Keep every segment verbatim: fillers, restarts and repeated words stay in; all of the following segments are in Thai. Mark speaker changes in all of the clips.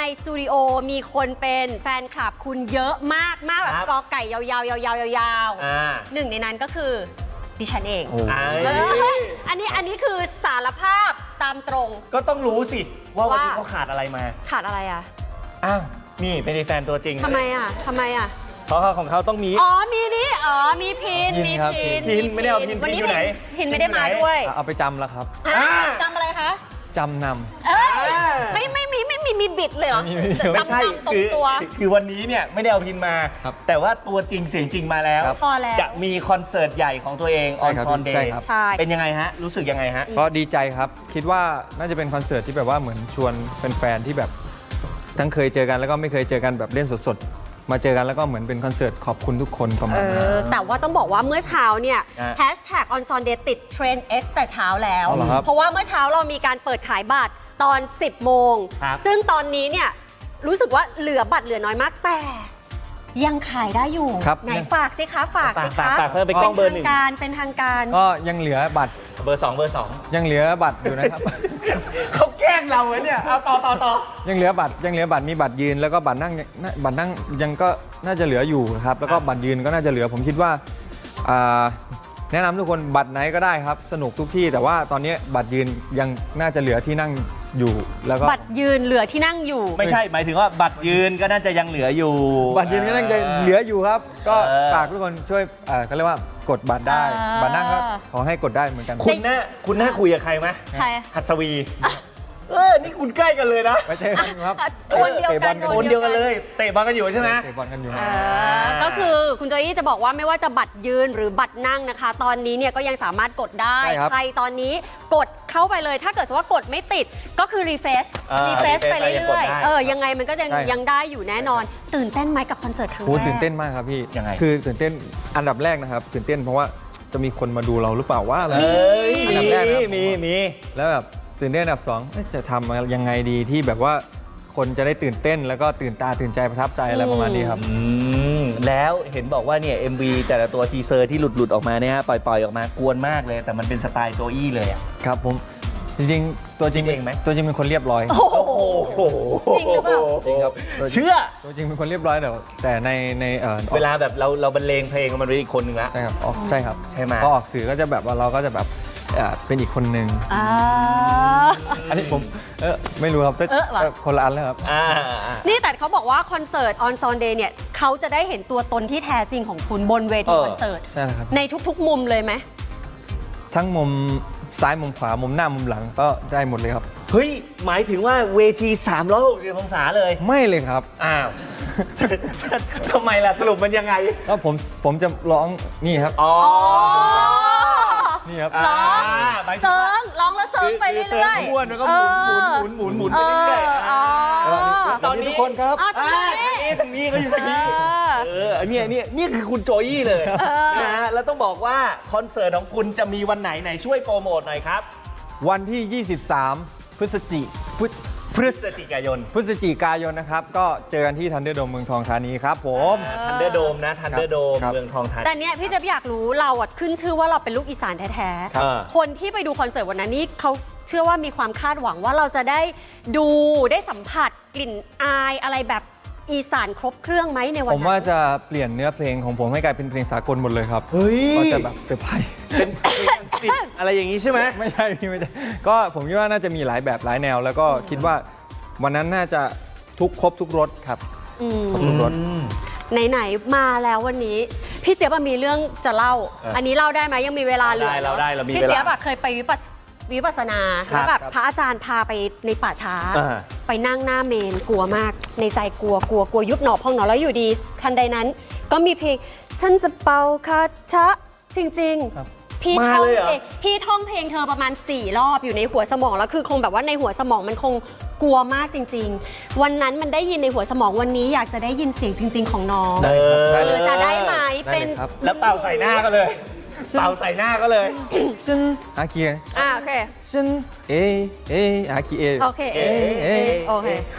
Speaker 1: สตูดิโอมีคนเป็นแฟนคลับคุณเยอะมากมากแบบกอไก่ยาวๆยาวๆยาวๆหนึ่งในนั้นก็คือดิฉันเองอันนี้อันนี้คือสารภาพตามตรง
Speaker 2: ก็ต้องรู้สิว่าวันนี้เขาขาดอะไรมา
Speaker 1: ขาดอะไรอ่ะ
Speaker 2: อ้าวนี่เป็นแฟนตัวจริง
Speaker 1: ทำไมอ่ะทำไมอ่ะ
Speaker 2: เพราะของเขาต้องมี
Speaker 1: อ๋อมีนี่อ๋อมีพินมีพิน
Speaker 2: พินไม่ได้เอาพินพินอยู่ไหน
Speaker 1: พินไม่ได้มาด้วย
Speaker 3: เอาไปจำแล้วครับ
Speaker 1: จำอะไรคะ
Speaker 3: จำน
Speaker 1: ำไม่ไม่มีไม่มีมีบิดเลยเหรอ
Speaker 2: ไม่ใช่คือคือวันนี้เนี่ยไม่ได้เอาพินมาแต่ว่าตัวจริงเสียงจริงมาแล้วจะมีคอนเสิร์ตใหญ่ของตัวเองออนซอนเดย์เป็นยังไงฮะรู้สึกยังไงฮะ
Speaker 3: ก็ดีใจครับคิดว่าน่าจะเป็นคอนเสิร์ตที่แบบว่าเหมือนชวนแฟนๆที่แบบทั้งเคยเจอกันแล้วก็ไม่เคยเจอกันแบบเล่นสดๆมาเจอกันแล้วก็เหมือนเป็นคอนเสิร์ตขอบคุณทุกคนประมาณนั้น
Speaker 1: แต่ว่าต้องบอกว่าเมื่อเช้าเนี่ยแฮชแท็ก on Sunday ติดเทรนด์ X แต่เช้าแล้วเพราะว่าเมื่อเช้าเรามีการเปิดขายบัตรตอนสิบโมงซึ่งตอนนี้เนี่ยรู้สึกว่าเหลือบัตรเหลือน้อยมากแต่ยังขายได้อยู่ไหนฝากสิคะฝากสิคะ
Speaker 2: ฝากเพิ่มไปกล้องเบอร์หนึ่ง
Speaker 1: การเป็นทางการ
Speaker 3: ก็ยังเหลือบัตร
Speaker 2: เบอร์สองเบอร์สอง
Speaker 3: ยังเหลือบัตรอยู่นะครับ
Speaker 2: เขาแกล้งเราเนี่ยเอาต่อต่อต่อ
Speaker 3: ยังเหลือบัตรยังเหลือบัตรมีบัตรยืนแล้วก็บัตรนั่งบัตรนั่งยังก็น่าจะเหลืออยู่ครับแล้วก็บัตรยืนก็น่าจะเหลือผมคิดว่าแนะนำทุกคนบัตรไหนก็ได้ครับสนุกทุกที่แต่ว่าตอนนี้บัตรยืนยังน่าจะเหลือที่นั่งอยู่แล้วก็
Speaker 1: บัตรยืนเหลือที่นั่งอยู่
Speaker 2: ไม่ใช่หมายถึงว่าบัตรยืนก็น่าจะยังเหลืออยู่
Speaker 3: บัตรยืนก็น่าจะเหลืออยู่ครับก็ฝากทุกคนช่วยเขาเรียกว่ากดบัตรได้บัตรนั่งก็ขอให้กดได้เหมือนกัน
Speaker 2: คุณน่าคุณน่าคุยกับใครไหม
Speaker 1: ใคร
Speaker 2: หัสวีเออนี่คุณใกล้กันเลยนะ
Speaker 3: ไปเตะบอลครับ
Speaker 1: คนเดียวกัน
Speaker 2: คนเดียวกันเลยเตะบอลกันอยู่ใช่ไหม
Speaker 3: เตะบอลกันอยู่
Speaker 1: ก็คือคุณโจอี้จะบอกว่าไม่ว่าจะบัตรยืนหรือบัตรนั่งนะคะตอนนี้เนี่ยก็ยังสามารถกดได้ใครตอนนี้กดเข้าไปเลยถ้าเกิดว่ากดไม่ติดก็คือรีเฟรชรีเฟรชไปเรื่อยๆเออยังไงมันก็ยังยังได้อยู่แน่นอนตื่นเต้นไหมกับคอนเสิร์ตครั้งแรก
Speaker 3: ตื่นเต้นมากครับพี่
Speaker 2: ยังไง
Speaker 3: คือตื่นเต้นอันดับแรกนะครับตื่นเต้นเพราะว่าจะมีคนมาดูเราหรือเปล่าว่าอะไร
Speaker 2: อันดับแรกมีมี
Speaker 3: แล้วแบบตื่นเต้นอันดับสองจะทำยังไงดีที่แบบว่าคนจะได้ตื่นเต้นแล้วก็ตื่นตาตื่นใจประทับใจอะไรประมาณนี้ครับ
Speaker 2: แล้วเห็นบอกว่าเนี่ย เอ็ม วี แต่ละตัวทีเซอร์ที่หลุดหลุดออกมาเนี่ยปล่อยปล่อยออกมากวนมากเลยแต่มันเป็นสไตล์โจอี้เลยอ่ะ
Speaker 3: ครับผมจริงๆตัวจริง
Speaker 2: เองไหม
Speaker 3: ตัวจริงเป็นคนเรียบร้อย
Speaker 2: โอ้โห
Speaker 1: จริงหรือเปล่า
Speaker 3: จริงครับ
Speaker 2: เชื่อ
Speaker 3: ตัวจริงเป็นคนเรียบร้อยแต่แต่ในใน
Speaker 2: เวลาแบบเราเราบรรเลงเพลงมันเป็นอีกคนหนึ่งละ
Speaker 3: ใช่ครับใช่ครับ
Speaker 2: ใช่ไหม
Speaker 3: พอออกสื่อก็จะแบบว่าเราก็จะแบบเป็นอีกคนหนึ่งอันนี้ผมเออไม่รู้ครับคนละอันแล้วครับ
Speaker 1: นี่แต่เขาบอกว่าคอนเสิร์ต on Sunday เนี่ยเขาจะได้เห็นตัวตนที่แท้จริงของคุณบนเวทีคอนเสิร์ต
Speaker 3: ใช่ครับ
Speaker 1: ในทุกๆมุมเลยไหม
Speaker 3: ทั้งมุมซ้ายมุมขวามุมหน้ามุมหลังก็ได้หมดเลยครับ
Speaker 2: เฮ้ยหมายถึงว่าเวทีสามร้อยหกสิบองศาเลย
Speaker 3: ไม่เลยครับ
Speaker 2: อ้าวทำไมล่ะสรุปมันยังไง
Speaker 3: ก็ผมผมจะร้องนี่ครับ
Speaker 2: อ๋อ
Speaker 3: นี่ครับ
Speaker 1: ร้องเซิร์งร้องแล้วเซิร์งไปเรื่อย
Speaker 2: ๆม้วนแล้วก็หมุนหมุนหมุนหมุนหมุนไปเรื่อย
Speaker 3: ๆตอนนี้ทุกคนครับ
Speaker 2: ทางนี้เขาอยู่ทางนี้เออเนี่ยเนี่ยนี่คือคุณโจอี้เลยนะฮะแล้วต้องบอกว่าคอนเสิร์ตของคุณจะมีวันไหนไหนช่วยโปรโมทหน่อยครับ
Speaker 3: วันที่ยี่สิบสามพฤศจิ
Speaker 2: พฤศจิกายน
Speaker 3: พฤศจิกายนนะครับก็เจอกันที่ทันเดอร์โดมเมืองทองธานีครับผม
Speaker 2: ทันเดอร์โดมนะทันเดอร์โดมเมืองทองธานี
Speaker 1: แต่เนี้ยพี่จะอยากรู้เราอ่ะขึ้นชื่อว่าเราเป็นลูกอีสานแท้ๆคนที่ไปดูคอนเสิร์ตวันนั้นนี่เขาเชื่อว่ามีความคาดหวังว่าเราจะได้ดูได้สัมผัสกลิ่นอายอะไรแบบอีสานครบเครื่องไหมในวันนั้น
Speaker 3: ผมว่าจะเปลี่ยนเนื้อเพลงของผมให้กลายเป็นเพลงสากลหมดเลยครับ
Speaker 2: เฮ้ย
Speaker 3: ก็จะแบบเซอร์ไพรส์
Speaker 2: เป็นอะไรอย่างนี้ใช่ไหม
Speaker 3: ไม่ใช่พี่ไม่ใช่ก็ผมคิดว่าน่าจะมีหลายแบบหลายแนวแล้วก็คิดว่าวันนั้นน่าจะทุกครบทุกรสครับครบทุกรส
Speaker 1: ไหนๆมาแล้ววันนี้พี่เจี๊ยบมีเรื่องจะเล่าอันนี้เล่าได้ไหมยังมีเวลาเหลือ
Speaker 2: เราได้เรามีเวลา
Speaker 1: พี่เจี๊ยบเคยไปวิปัสวิปัสสนาแล้วแบบพระอาจารย์พาไปในป่าช้าไปนั่งหน้าเมนกลัวมากในใจกลัวกลัวกลัวยุบหนอพองหนอแล้วอยู่ดีทันใดนั้นก็มีเพลงฉันจะเป่าคาถะจริงๆพี่ท่องเพลงพี่ท่องเพลงเธอประมาณสี่รอบอยู่ในหัวสมองแล้วคือคงแบบว่าในหัวสมองมันคงกลัวมากจริงๆวันนั้นมันได้ยินในหัวสมองวันนี้อยากจะได้ยินเสียงจริงๆของน้องหรือจะได้ไหมเป็น
Speaker 2: แล้วเป่าใส่หน้าก็เลยเป่าใส่หน้าก็เลย
Speaker 3: ฉันอาคี
Speaker 1: อ่าโอเค
Speaker 3: ฉันเอเออาคีเอ
Speaker 1: โอเคเอเอโอเค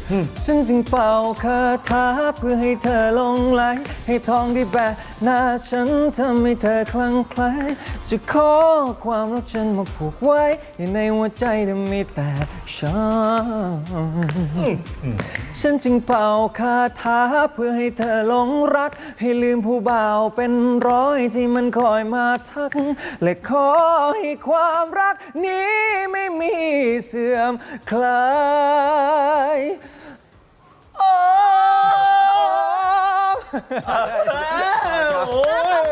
Speaker 3: ฉันจึงเป่าคาถาเพื่อให้เธอหลงไหลให้ทองที่แบะหน้าฉันทำให้เธอคลั่งไคล้จะขอความรักฉันมาผูกไว้ในหัวใจที่มีแต่ฉันฉันจึงเป่าคาถาเพื่อให้เธอหลงรักให้ลืมผู้บ่าวเป็นร้อยที่มันคอยมาทักและขอให้ความรักนี้ไม่มีเสื่อมคลายโอ้
Speaker 2: โห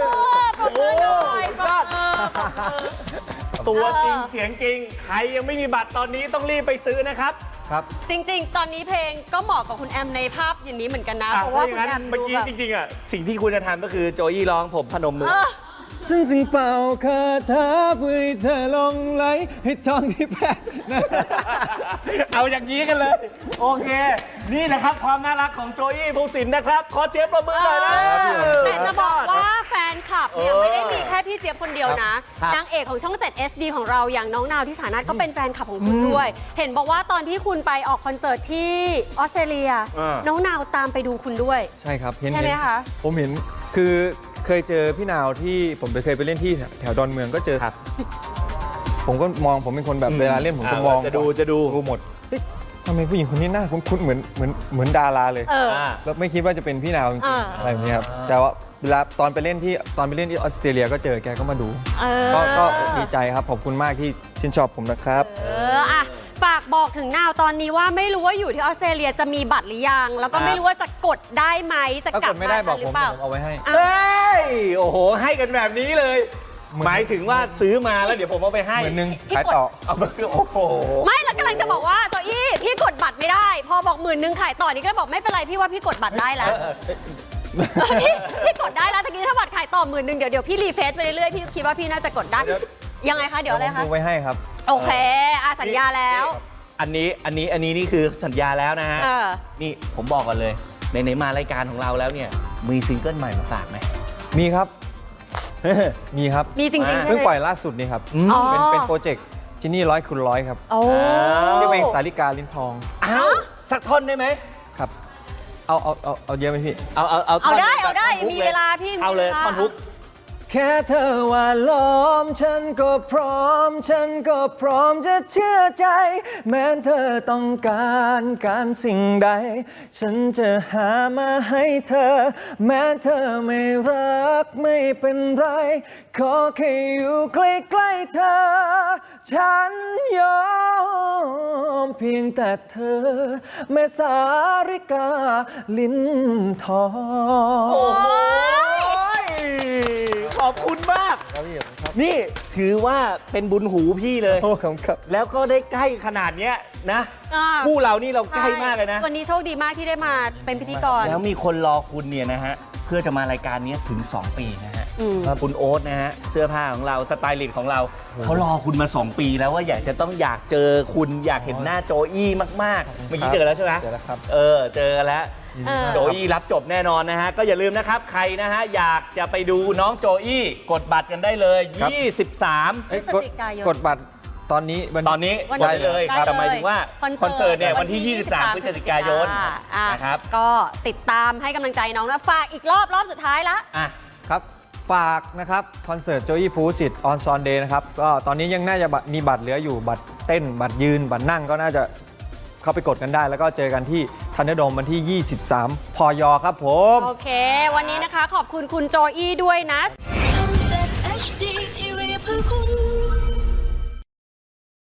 Speaker 2: ตัวจริงเสียงจริงใครยังไม่มีบัตรตอนนี้ต้องรีบไปซื้อนะครับ
Speaker 3: ครับ
Speaker 1: จริงๆ ตอนนี้เพลงก็เหมาะกับคุณแอมในภาพอย่างนี้เหมือนกันนะ
Speaker 2: อ่
Speaker 1: เพราะว่า
Speaker 2: ถ้
Speaker 1: คุณ
Speaker 2: ย่ง
Speaker 1: แอ
Speaker 2: นั้น
Speaker 1: ม
Speaker 2: เมื่อ
Speaker 1: ดู
Speaker 2: กี้
Speaker 1: แบบ
Speaker 2: จริงๆอ่ะสิ่งที่คุณจะทำก็คือโจยี่ร้องผมพนมมือ
Speaker 1: เออ
Speaker 3: ฉันจึงเป่าคาถาเพื่อให้เธอหลงไหลให้ทองที่แพ้นะ
Speaker 2: เอาอย่างนี้กันเลย โอเค นี่แหละครับความน่ารักของโจยี่ภูสินทร์นะครับ ขอเชียร์ประมือหน่อยนะ
Speaker 1: แต่จะบอกว่าแฟนคลับเนี่ย
Speaker 2: เออ
Speaker 1: ไม่ได้มีแค่พี่เจี๊ยบคนเดียวนะครับ นางเอกของช่อง เจ็ด เอช ดี ของเราอย่างน้องนาวที่สานัทก็เป็นแฟนคลับของคุณด้วย เห็นบอกว่าตอนที่คุณไปออกคอนเสิร์ตที่ออสเตรเลีย น้องนาวตามไปดูคุณด้วย
Speaker 3: ใช่ครับเห็น
Speaker 1: ใช่ไหม
Speaker 3: เห็น
Speaker 1: คะ
Speaker 3: ผมเห็นคือเคยเจอพี่นาวที่ผมเคยไปเล่นที่แถวดอนเมืองก็เจอ
Speaker 2: ครับ
Speaker 3: ผมก็มองผมเป็นคนแบบเวลาเล่นผมจะมอง
Speaker 2: จะดูจะดู
Speaker 3: ดูหมดเฮ้ยทำไมผู้หญิงคนนี้หน้าคุ้นๆเหมือนเหมือนเหมือนดาราเลย
Speaker 1: เออ
Speaker 2: อ่า
Speaker 3: แล้วไม่คิดว่าจะเป็นพี่นาวจริง
Speaker 1: อ่า
Speaker 3: ๆอะไรแบบนี้ครับแต่ว่าเวลาตอนไปเล่นที่ตอนไปเล่นที่ออสเตรเลียก็เจอแกก็มาดู
Speaker 1: เออ
Speaker 3: ก็ก็ดีใจครับขอบคุณมากที่ชื่นชอบผมนะครับ
Speaker 1: เอออะฝากบอกถึงนาวตอนนี้ว่าไม่รู้ว่าอยู่ที่ออสเตรเลียจะมีบัตรหรือยัง แล้วก็
Speaker 2: ครับ
Speaker 1: ไม่รู้ว่าจะกดได้ไหมจะ
Speaker 3: ถ้าก
Speaker 1: ลั
Speaker 3: ก
Speaker 1: บ
Speaker 3: ดไม่
Speaker 1: มา
Speaker 3: ได้บ
Speaker 1: ทั
Speaker 3: อก
Speaker 1: นหรื
Speaker 3: ผม
Speaker 1: อเปล่า
Speaker 3: ผมเอาไว้ให้
Speaker 1: อ่ะ
Speaker 2: เฮ้ย โอ้โห ให้กันแบบนี้เลย หมายถึงว่าซื้อมาแล้วเดี๋ยวผมเอาไปให้
Speaker 3: เหมือนนึง
Speaker 1: พี่
Speaker 3: ขาย
Speaker 1: กด
Speaker 3: ต่อ
Speaker 2: เอามาโอ้โห
Speaker 1: ไม่แล้วกำลังจะบอกว่าโจอี้พี่กดบัตรไม่ได้ พอบอกหมื่นหนึ่งขายต่อนี่ก็บอกไม่เป็นไรพี่ว่าพี่กดบัตรได้แล้วพี่พี่กดได้แล้วตะกี้ถ้าบัตรขายต่อหมื่นหนึ่งเดี๋ยวเดี๋ยวพี่รีเฟซไปเรื่อยๆพี่คิดว่าพี่น่าจะกดได้
Speaker 2: เดี๋ยว
Speaker 1: ยังไงคะเดี๋ยวอะไร
Speaker 3: ผม
Speaker 1: คะ
Speaker 3: ดูไว้ให้ครับ
Speaker 1: โอเคอาสัญญาแล้ว
Speaker 2: อันนี้อันนี้อันนี้นี่คือสัญญาแล้วนะฮะ
Speaker 1: เออ
Speaker 2: นี่ผมบอกก่อนเลยไหนๆมารายการของเราแล้วเนี่ยมีซิงเกิลใหม่มาฝากไหม
Speaker 3: มีครับ มีครับ
Speaker 1: มีจริงๆใช่ไหม
Speaker 3: เพิ่งปล่อยล่าสุดนี่ครับ
Speaker 1: อ๋อ
Speaker 3: เป็นเป็นโปรเจกต์จินนี่ร้อยคูณร้อยครับ
Speaker 1: โอ้
Speaker 3: ชื่อเพลงสาริกาลิ้นทอง
Speaker 2: อ้าวสักท่อนได้ไหม
Speaker 3: ครับ เอาเอาเอาเอาเยอะไหมพี่
Speaker 2: เอาเอาเอา
Speaker 1: เอาได้
Speaker 2: ท่น
Speaker 1: เอาได้
Speaker 2: ท่อนฮุก
Speaker 1: มีเวลาพี่
Speaker 2: เอาเลย
Speaker 1: มีเวลา
Speaker 2: ท่อนฮุก
Speaker 3: แค่เธอว่าล้อมฉันก็พร้อม ฉันก็พร้อมจะเชื่อใจ แม้เธอต้องการการสิ่งใด ฉันจะหามาให้เธอ แม้เธอไม่รักไม่เป็นไร ขอแค่อยู่ใกล้ๆเธอ ฉันยอมเพียงแต่เธอ แม่สาริกาลิ้นทอง
Speaker 2: โอ้ยขอบคุณมาก นี่ถือว่าเป็นบุญหูพี่เลย
Speaker 3: โอ้ขอบคุณครับ
Speaker 2: แล้วก็ได้ใกล้ขนาดเนี้ยนะ
Speaker 1: อ่า
Speaker 2: คู่เรานี่เราใกล้มากเลยนะ
Speaker 1: วันนี้โชคดีมากที่ได้มาเป็นพิธีกร
Speaker 2: แล้วมีคนรอคุณเนี่ยนะฮะ เพื่อจะมารายการนี้ถึง สอง ปีนะฮะ
Speaker 1: อืม
Speaker 2: คุณโอ๊ตนะฮะ เสื้อผ้าของเราสไตลิสต์ของเราเขารอคุณมา สอง ปีแล้วว่าอยากจะต้องอยากเจอคุณอยากเห็นหน้าโจอี้มากๆ เมื่อกี้เจอแล้วใช่ไหม
Speaker 3: เจอแล้วครับ
Speaker 2: เออเจอแล้ว
Speaker 1: เออ
Speaker 2: โจอี้รับจบแน่นอนนะฮะ ก็อย่าลืมนะครับ ใครนะฮะ อยากจะไปดูน้องโจอี้กดบัตรกันได้เลย
Speaker 3: ครับ
Speaker 2: ยี่สิบสาม
Speaker 3: เอ้ย
Speaker 1: พฤศ
Speaker 3: กด
Speaker 1: จิกายน
Speaker 3: กดบัตรตอนนี้วั
Speaker 2: ตอนนี้
Speaker 1: วัน
Speaker 2: กดได้เลย
Speaker 1: ได้เลย
Speaker 2: แต่หมายถึงว่า
Speaker 1: คอนเสิร์ต
Speaker 2: คอนเสิร์ตเนี่ย
Speaker 1: วั
Speaker 2: วัน น
Speaker 1: ที่
Speaker 2: ที่ ยี่สิบสาม พฤศจิกายน
Speaker 1: อ่ะ
Speaker 2: นะครับ
Speaker 1: ก็ติดตามให้กำลังใจน้องนะฝากอีกรอบรอบสุดท้ายละ
Speaker 2: อ่ะ
Speaker 3: ครับ ฝากนะครับ คอนเสิร์ตโจยี่ภูสิทธิ์ออนซอนเดย์นะครับ ก็ตอนนี้ยังน่าจะบัตรมีบัตรเหลืออยู่บัตรเต้น บัตรยืน บัตรนั่งก็น่าจะเข้าไปกดกันได้ แล้วก็เจอกันที่ทันเดอร์โดมวันที่ ยี่สิบสาม พยครับผม
Speaker 1: โอเค วันนี้นะคะขอบคุณคุณโจอี้ด้วยนะ